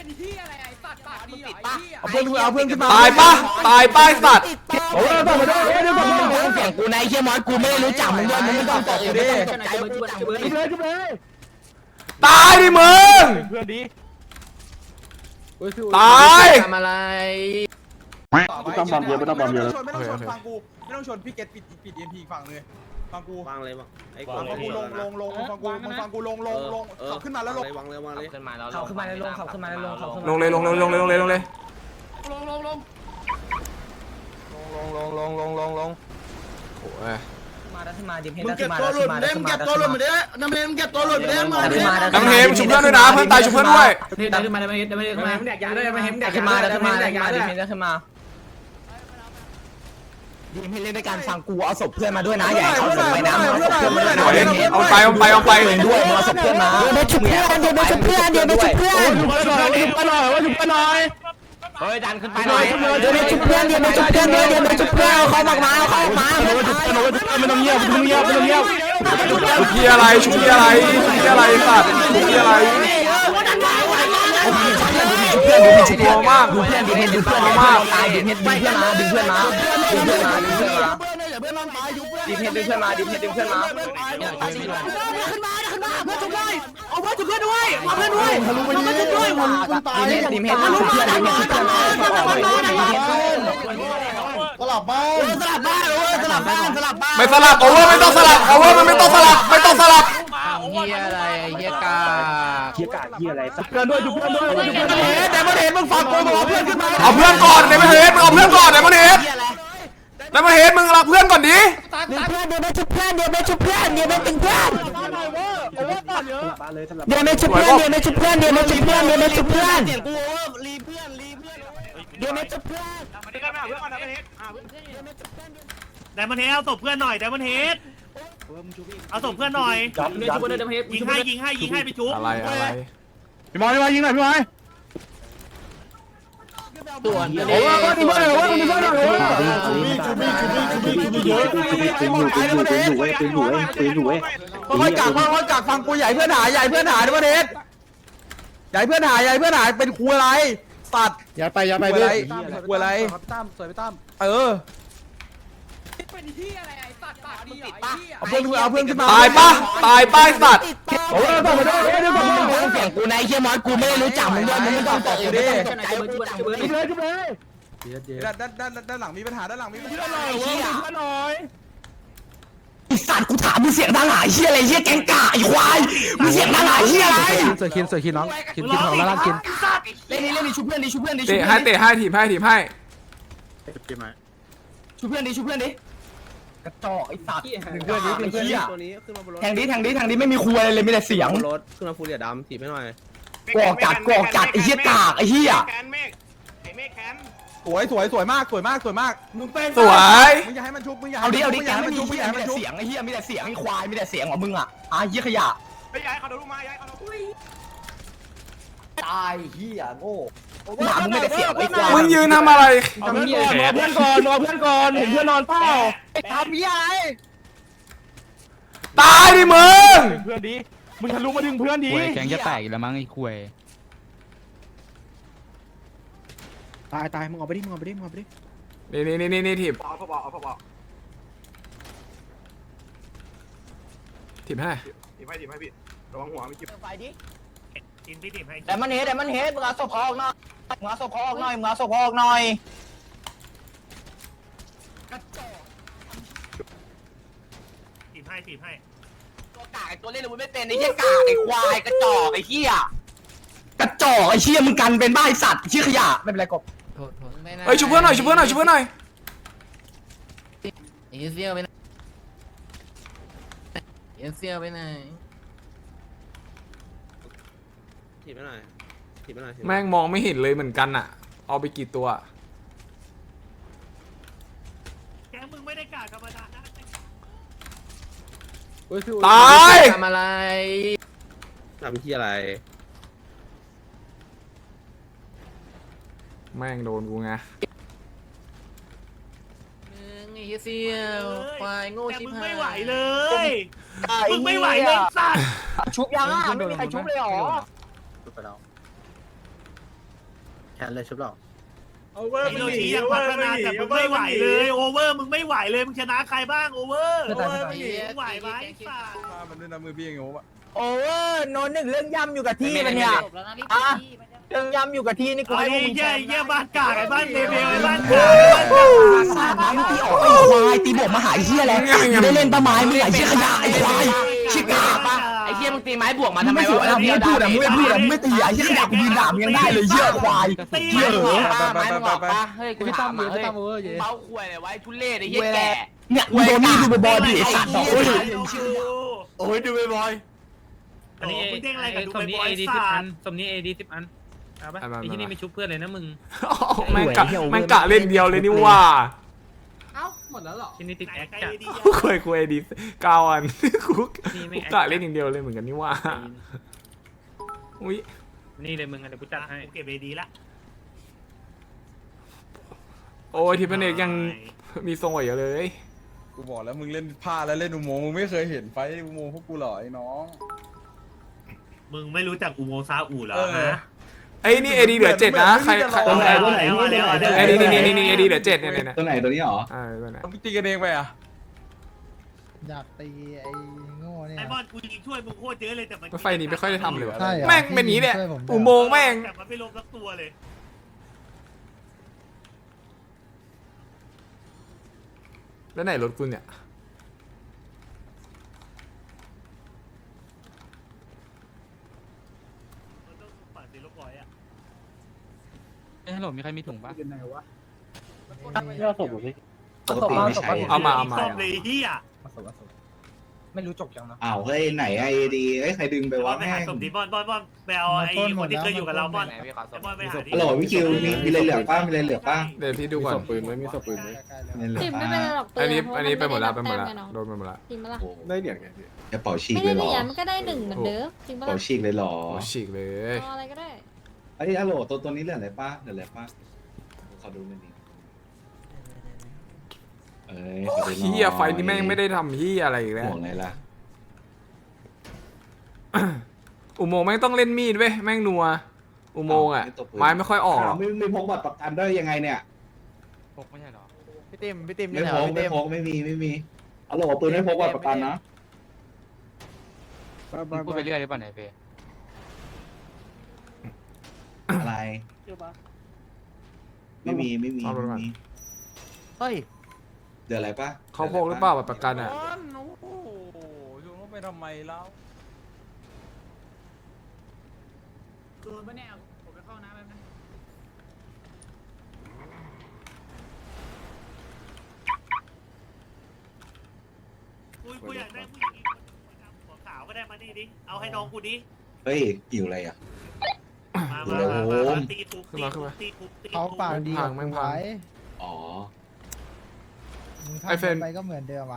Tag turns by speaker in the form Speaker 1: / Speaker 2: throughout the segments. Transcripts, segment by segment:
Speaker 1: เป็นที่อะไรไอ้สัตว์ปากดีเหรอ
Speaker 2: เอาเพื่อนขึ้นมา
Speaker 3: ตายป้ายสัตว์
Speaker 2: โอ้ยต้องมาด้วยเดี๋ยวต้องเสียงกูนายเฮียมอสกูไม่ได้รู้จักมึงด้วยมึงไม่ต้องตกอยู่ดิเลย
Speaker 3: ตายดิมึง
Speaker 2: เพื่อนดี
Speaker 3: ตาย
Speaker 4: ทำอะไร
Speaker 2: ไม่ต้องบอมเยอะไม่ต้องบอมเยอะ
Speaker 5: ไม่ต้องชนฟังกูไม่ต้องชนพี่เกตปิดเอ็มพีฝั่งเลยฟังกู
Speaker 4: วางเลยมั้งไอ้
Speaker 5: ฟังกูลงฟังกูลงขับขึ้นมาแล้วลง
Speaker 4: วางเลยขึ้นมาแล้ว
Speaker 1: เขาขึ้นมาในลงเขาขึ้นมาในลงเขาขึ้น
Speaker 3: ลงเลยลงเลยลงเลยลงเลยลงเลย
Speaker 2: ลง
Speaker 3: โอ้ย
Speaker 1: มาแล้วขึ้นมาดิมเฮด
Speaker 4: มึง
Speaker 1: แล้ว
Speaker 4: เก็
Speaker 1: ขึ้
Speaker 4: บ
Speaker 1: นมา
Speaker 4: ตัวหลุดได้มึงเก็บตัวหลุดได้น้ำเนมเก็บตัวหลุดได้มาดิ
Speaker 3: น้ำเฮมชุบเพื่อนด้วยนะเพื่อนตายชุบเพื่อนด้วย
Speaker 1: ได้ขึ้นมาได้ขึ้นมาได้ขึ้นมาแดกยาด้วยมาเฮมแดกขึ้นมาได้ขึ้นมาได้ดิมเฮดได้ขึ้นมาดิมเฮดเล่นด้วยการฟังกูเอาศพเพื่อนมาด้วยนะอย่าเอาศพไปนะเอาศพเพื่อนมาด้วยนะ
Speaker 3: เอาไป
Speaker 1: ด้วยมึงเอาศพเพื่อนมาเดี๋ยวไปชุบเพื่อนเดี๋ยวไปชุบเพื่อนเดี๋ยวไปชุบเพื่อน
Speaker 2: ชุบกันหน่อย
Speaker 1: เฮ้ยดันขึ้นไปหน่อยเดี๋ยวไปชุบเพื่อนเดี๋ยวไปชุบเพื่อนเดี๋ยวไปชุบเพื่อนเขาออกมาเขาออกมา
Speaker 2: ไม่ต้องเงียบ
Speaker 3: ชุบพี่อะไรชุบพี่อะไรชุบพี่อะไรสัตว์ชุบพี่อะไรตัวมาก
Speaker 1: ดูเพื่อนดิมเฮดดูเพื่อนมากตายดิมเฮดดึงเพื่อนมาดึงเพื่อนมาดึงเพื่อนมาดึงเพื่อนมาดิมเฮดดึงเพื่อนมาดิมเฮดดึงเพื่อนมาขึ้นมาเพื่อนชุบเลยเอาเพื่อนชุบเพื่อนด้วยเอาเพื่อนด้วยทะลุไปนี่ด้วยดิมเฮดชุบเพื่อนดิมเฮดชุบเพื่อน
Speaker 2: สลับบ้าน
Speaker 3: ไม่สลับโอเวอร์ไม่ต้องสลับโอเวอร์มันไม่ต้องสลับไม่ต้องสลับ
Speaker 4: เฮียอะไรเฮียกา
Speaker 2: เฮียอะไรเพื่อนด้วยชุบเพื่อนด้วย
Speaker 3: แต่มันเห็นมึงฟังกูบอกเอาเพื่อนขึ้นมาเอาเพื่อนก่อนในประเทศมึงเอาเพื่อนก่อนในประเทศในประเทศมึงรับเพื่อนก่อนดิ
Speaker 1: เดี๋ยวไปชุบเพื่อนเดี๋ยวไปชุบเพื่อนเดี๋ยวไปตึงเพื่อนเดี๋ยวไปชุบเพื่อนเดี๋ยวไปชุบเพื่อนเดี๋ยวไปชุบเพื่อนเดี๋ยวไปชุบเพื่อนเดี๋ยวไปชุบเพื่อน
Speaker 6: ไดมอนเฮดเอาศพเพื่อนหน่อยไดมอนเฮดเอาศพเพื่อนหน่อยยิงให้ไปชุบ
Speaker 3: อะไร
Speaker 2: พี่มอยยิงหน่อยพี่มอย
Speaker 4: ส่วน
Speaker 2: โอ้ยว่ามึงเพื่อนหน่อยค่อยกักฟังกูใหญ่เพื่อนหายในประเทศใหญ่เพื่อนหายเป็นครูอะไรสัตว์อย่าไปเพื่อนครูอะไรตั้มสวยไปตั้ม
Speaker 1: เป็นที่อะไรไอ้สัตว์ปากดีเหรอ
Speaker 2: เอาเพื่อนขึ้นมา
Speaker 3: ตายป้ายสัตว์
Speaker 2: โอ้ยต้องมาด้วยเดี๋ยวต้องเสียงกูนายเฮียมอสกูไม่ได้รู้จักมึงด้วยมึงไม่ต้องตกอยู่ดิเลยด้านหลังมีปัญหาด้านหลังมีปัญหาไอ้สัตว์กูถามมึงเสียงดังหายเฮียอะไรเฮียแกงกะไอ้ควายมึงเสียงดังหายเฮียอะไร
Speaker 5: สวยคินน้องคินของแล้วกิน
Speaker 1: เล่นดิชุบเพื่อนดิชุบเพื่อนดิ
Speaker 3: เตะให้ทีมให้
Speaker 1: ชุบเพื่อนดิกระจอกไอ้สัตว์เพื่อนดิเป็นเหี้ย
Speaker 4: ตัวนี้ขึ้นมาบนรถ
Speaker 1: แทงดิไม่มีครัวเลยมีแต่เสียง
Speaker 4: รถขึ้นมาฟูเรียดำถีบให้หน่อย
Speaker 1: กอกจัดไอ้เหี้ยกากไอ้เหี้ย
Speaker 2: สวยมากมึงเป็น
Speaker 3: สวย
Speaker 2: มึงอย่าให้มันชุบมึงอย่า
Speaker 1: เอาดิ
Speaker 2: ให้
Speaker 1: ไม่
Speaker 2: มัน
Speaker 1: มี
Speaker 2: ชุบมึงอย่าให้มันชุบ
Speaker 1: เสียงไอ้เหี้ยมีแต่เสียงไอ้ควายมีแต่เสียงของมึงอ่ะเหี้ยขยะ
Speaker 6: ไปย้ายเขาดูมาย้ายเขา
Speaker 1: ตายเหี้ยโง่หนามึงไม่แต่เสียงไอ้ควาย
Speaker 3: มึงยืนทำอะไร
Speaker 2: เอาเพื่อนก่อนเห็นเพื่อนนอนเปล่า
Speaker 1: ทำเหี้ยไอ้
Speaker 3: ตายดิมึง
Speaker 2: เพื่อนดีมึงทะลุมาดึงเพื่อนดี
Speaker 7: แกงจะแตกอีกแล้วมั้งไอ้คุย
Speaker 2: ตายมึงเอาไปดิ
Speaker 3: นี่ถีบถีบให้
Speaker 6: พี่ถีบให้
Speaker 1: แต่มันเฮ็ดมึงเอาศพออกหน่อยมึงเอาศพออกหน่อย
Speaker 6: ถีบให้
Speaker 1: ตัวกากไอ้ตัวเล่นมึงไม่เป็นไอ้เหี้ยกากไอ้ควายกระจอกไอ้เหี้ยกระจอกไอ้เหี้ยมึงกันเป็นบ้าไอ้สัตว์เหี้ยขยะไม่เป็นไรกบ
Speaker 3: เฮ้ยชุบเพื่อนหน่อย
Speaker 4: เอเซียไปไหนถีบให้หน่อย
Speaker 3: แม่งมองไม่เห็นเลยเหมือนกันอ่ะเอาไปกี่ตัว
Speaker 6: แกมึงไม่ได้กาดธรรมดานะ
Speaker 3: ตาย
Speaker 4: ทำอะไรทำที่อะไร
Speaker 3: แม่งโดนกูไง
Speaker 4: ไอ้เซียวควายโง่ชิบหาย
Speaker 6: มึงไม่ไหวเลยสัตว์
Speaker 1: ชุบยังอ่ะไม่มีใครชุบเลยหรอ
Speaker 4: นเลยชุบหรอ
Speaker 6: ฮิโรชิยังพัฒนาแต่มึงไม่ไหวเลยโอเวอร์มึงไม่ไหวเลยมึงชนะใครบ้างโอเวอร์มึงไหวไหมสัตว์
Speaker 5: มามันด้วยนะมือพี่อย่างงี้วะ
Speaker 1: โอเวอร์โนหนึ่งเรื่องย่ำอยู่กับที่มันเนี่ยเรื่องย่ำอยู่กับที่นี่กู
Speaker 6: ไอ้
Speaker 1: ให้พวกมึง
Speaker 6: เหี้ยบ้านกากไอ้บ้านเดเบลไอ้บ้านกาก
Speaker 1: สาดน้ำตีออกไอ้ควายตีบวกมาหาไอ้เหี้ยแล้วได้เล่นต้นไม้มึงไอ้เหี้ยขยะไอ้ควายชิกาปะไอ้เหี้ยมึงตีไม้บวกมาทำไมวะมึงไม่พูดอ่ะมึงไม่พูดอ่ะมึงไม่ตีไอ้เหี้ยขยะกูยืนด่ามึงยังได้เลยเหี้ยควาย
Speaker 6: ตี
Speaker 1: เหี้ยเหรอ
Speaker 5: ไปไป
Speaker 1: เฮ้ยกูถามมาเฮ้ยเบ้าควยเลยไว้ทุเรศไอ้เหี้ยแก่
Speaker 2: เนี่ยโดนนี่ดูบอยดิไอ้สัตว์โอ้ย
Speaker 6: โอ้ยดูบอยอันนี้มึงเด้งอะไรกับดูบอยสัตว์
Speaker 8: สมนี้ AD 10 อันเอาปะไอ้ที่นี่ไม่ชุบเพื่อนเลยนะมึง
Speaker 3: แม่งกะเล่นเดียวเลยนี่ว่า
Speaker 8: ที่นี่ติดแอค
Speaker 6: ไอ้
Speaker 8: จัด
Speaker 6: ดี
Speaker 3: คุยดี9 อันกูกะเล่นอย่างเดียวเลยเหมือนกันนี่ว่าอุ้ย
Speaker 8: นี่เลยมึงเดี๋ยวกูจัดให้
Speaker 6: กูเก็บเอดีละ
Speaker 3: โอ้ยทีมเอกยังมีทรงไหวอยู่เลย
Speaker 5: กูบอกแล้วมึงเล่นผ้าแล้วเล่นอุโมงค์มึงไม่เคยเห็นไฟอุโมงค์พวกกูหรอไอ้น้อง
Speaker 6: มึงไม่รู้จักอุโมงค์ซาอูเหรอฮะ
Speaker 3: ไอ้นี่เอดีเหลือ7นะใครไอ้นี่เอดีเหลือ7เนี่ย
Speaker 9: ตัวไหนตัวนี้หรอ
Speaker 3: ตัวไหน
Speaker 5: มึงตีกันเองไปอ่ะ
Speaker 10: อยากตีไอ้โง่เนี่ย
Speaker 6: ไอ้บอลกูยิงช่วยมึงโคตรเยอะเลยแต่มัน
Speaker 3: ไฟนี้ไม่ค่อยได้ทำเลยวะ
Speaker 10: ใช่เหรอ
Speaker 3: แม่งเป็นนี้แหละอุโมงค์แม่ง
Speaker 6: แต่มันไม่ลงสักตัวเลย
Speaker 3: แล้วไหนรถกูเนี่ย
Speaker 6: มันต้องปัดสีลูกบอยอ่ะ
Speaker 7: ฮัลโหลมีใครมีถุงปะ
Speaker 10: ย่อศพหรอพี่
Speaker 9: ปกติไม่ใช้
Speaker 3: เอามา
Speaker 6: ซ่อมเลยเฮีย
Speaker 1: ไม่รู้จบยังนะ
Speaker 9: อ้าวเฮ้ยไหนไอเดีใครดึงไปวะ
Speaker 6: ไป
Speaker 9: แม่
Speaker 6: หาง ศพดิบอลไปเอาไอ้คนที่เคยอยู่กับเราบอลบอลไปหาดิ
Speaker 9: ฮัลโหลพี่คิวมีอะไรเหลือป้ามีอะไรเหลือป้า
Speaker 3: เดี๋ยวพี่ดูก่อน
Speaker 9: ปืนไหมมีศพปืนไหมมีเหลือ
Speaker 11: ติมไม่
Speaker 9: ป้า
Speaker 11: เป็นไรหรอก
Speaker 3: อันนี้ไปหมดแล้ว
Speaker 11: เพราะน
Speaker 3: โดนไปหมดแล้ว
Speaker 11: จริงปะล่ะ
Speaker 9: ได้เหรียญไงกระเป๋าฉีก
Speaker 11: ไม่
Speaker 9: เล
Speaker 11: ได้
Speaker 9: ยหรอ
Speaker 11: เหรียญมันก็ได้หนึ่งเหมือนเดิมจริง
Speaker 9: กระ
Speaker 11: ปะ
Speaker 9: เป๋า
Speaker 11: ล่ะ
Speaker 9: ฉีกเลยหรอ
Speaker 3: โอ้ฉีกเลย
Speaker 11: เอาอะไรก็ได้
Speaker 9: ไอ้ฮัลโหลตัวนี้เหลืออะไรป้าเหลืออะไรป้าขอดูหน่อยดิขอดูหน่อย
Speaker 3: เฮียไฟนี่แม่งไม่ได้ทำเฮียอะไรอีกแล้ว
Speaker 9: ห่วงไงล่ะ
Speaker 3: อุโมงค์แม่งต้องเล่นมีดเว้ยแม่งนัวอุโมงค์อ่ะไม้ไม่ค่อยออกหรอก
Speaker 9: ไม่พกบัตรประกันได้ยังไงเนี่ย
Speaker 7: พกไม่ใช่หรอ
Speaker 1: พี่ติมพี่ติม
Speaker 9: ไม่พกไม่มีฮัลโหลปืนไม่พกบัตรประกันนะ
Speaker 7: มึงพูดไปเรื่อยหรือเปล่าเนี่ยเฟย
Speaker 9: อะไรไม่มี
Speaker 1: เฮ้ย
Speaker 9: เดี๋ยวอะไรป้า
Speaker 3: เขาพกหรือเปล่าบัตรประกันอ่ะ
Speaker 5: โอ้โหชวนเขาไปทำไมแล้ว
Speaker 6: กูอยากได้ผู้หญิงอีกคนหัวขาวก็ได้มาดิดิเอาให้น้องกูดิ
Speaker 9: เฮ้ยหิวอะไรอ่ะ
Speaker 6: มาตีทุบ
Speaker 10: เขาปากดีกับกูไว้
Speaker 9: อ๋อ
Speaker 10: มึงทำไปก็เหมือนเดิมอ่ะ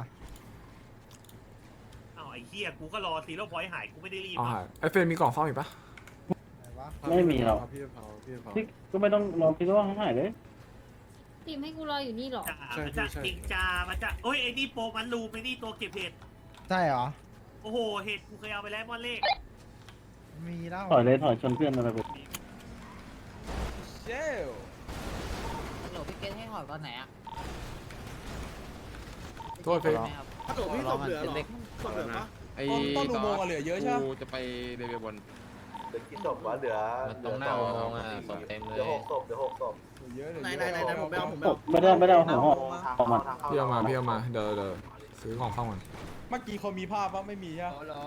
Speaker 6: เอาไอ้เหี้ยกูก็รอซีโร่พอยต์หายกูไม่ได้รีบ
Speaker 3: อ๋อไอเฟรนมีกล่องซ่อมอีกปะ
Speaker 10: ไหนวะ
Speaker 5: ไม่มีหรอกพี่
Speaker 10: ก็ไม่ต้องรอคิดว่าเขาหายเลย
Speaker 11: ติมให้กูรออยู่นี่หรอ
Speaker 6: มันจะจริงจามันจะโอ้ยไอ้นี่โปมันรูไม่นี่ตัวเก็บเห็ด
Speaker 10: ใช่เหรอ
Speaker 6: โอ้โหเห็ดกูเคยเอาไปแล้วมอนเลข
Speaker 10: มีแล้ว
Speaker 5: ถอยชนเพื่อนอะไรไปเจ้
Speaker 1: โหลพี่เกณให้หอดตอนไหนอ่ะ
Speaker 3: โทษเฟรน
Speaker 4: ถ้าเกิดพี่ศพเหลือหรอศพเหลือปะ
Speaker 5: ต้นอุโมงค์เหลือเยอะใช่ไหม
Speaker 7: กูจะไปเดบิวบน
Speaker 9: กี่ศพวะเหลือ
Speaker 7: มันตรงหน้าอุโมงค์อ่ะศพเต็มเลย
Speaker 9: เดี๋ยว6ศพ
Speaker 5: เยอะเลย
Speaker 4: ไหนผมไปเอา
Speaker 5: ไม่ได้เอาหัวออกมา
Speaker 3: พี่เอามาเดี๋ยวซื้อของเข้ามัน
Speaker 5: เมื่อกี้เขามีภาพปะไม่มีใช่ไหม